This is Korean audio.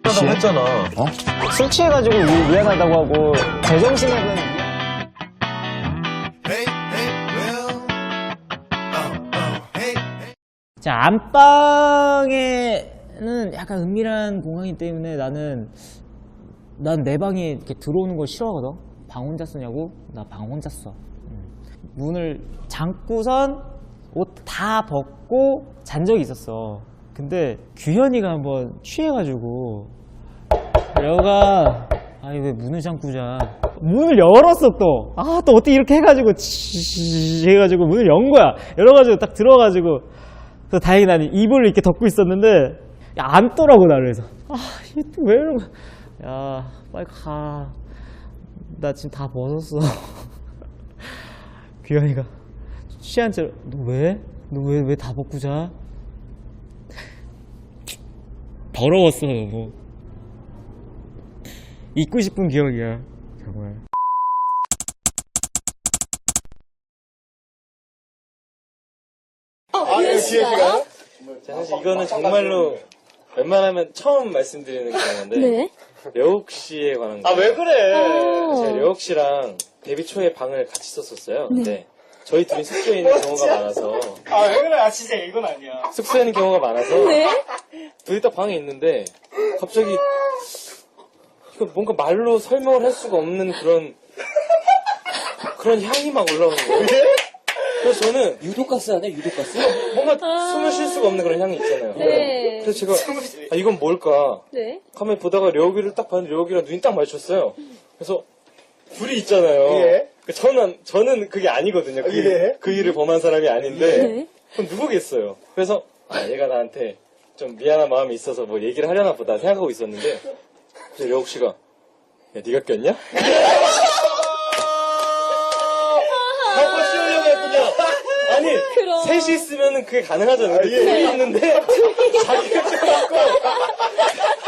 취하다고 했잖아. 술 취해가지고 미안하다고 하고 제정신에는 자, 안방에는 약간 은밀한 공간이기 때문에 난 내 방에 이렇게 들어오는 걸 싫어하거든. 방 혼자 쓰냐고? 나 방 혼자 써. 문을 잠고선 옷 다 벗고 잔 적이 있었어. 근데 규현이가 한번 취해가지고 여가 아니 왜 문을 잠고 자. 문을 열었어 또. 아 또 어떻게 이렇게 해가지고 해가지고 문을 연 거야. 열어가지고 딱 들어가지고 그래서 다행히 난 이불을 이렇게 덮고 있었는데 야, 앉더라고 나를. 그래서 이게 또 왜 이러고. 야 빨리 가. 나 지금 다 벗었어. 규현이가 취한 채로 너 왜? 너 왜 다 벗고 자? 더러웠어 너무. 잊고 싶은 기억이야 정말. 기억이가요? 사실 이거는 정말로 웬만하면 처음 말씀드리는 경우인데 네. 려욱 씨에 관한 거. 왜 그래? 제가 려욱 씨랑 데뷔 초에 방을 같이 썼었어요. 근데 저희 둘이 숙소에 있는 경우가 많아서 왜 그래? 진짜 이건 아니야. 숙소에 있는 경우가 많아서 네. 둘이 딱 방에 있는데 갑자기 이거 뭔가 말로 설명을 할 수가 없는 그런 향이 막 올라오는 거예요. 그래서 저는 유독가스 아니야? 유독가스? 뭔가 숨을 쉴 수가 없는 그런 향이 있잖아요. 네. 그래서 제가 이건 뭘까? 네. 가만히 보다가 려욱이를 딱 봤는데 려욱이랑 눈이 딱 마주쳤어요. 그래서 둘이 있잖아요. 예. 저는 그게 아니거든요. 예. 그 일을 범한 사람이 아닌데 네. 그럼 누구겠어요? 그래서 얘가 나한테 좀 미안한 마음이 있어서 뭐 얘기를 하려나 보다 생각하고 있었는데 그래서 려욱 씨가 야 네가 꼈냐? 하고 씌우려고 했군요. 아니 그럼. 셋이 있으면 그게 가능하잖아요. 근데 둘이 있는데 자기가 껴갖고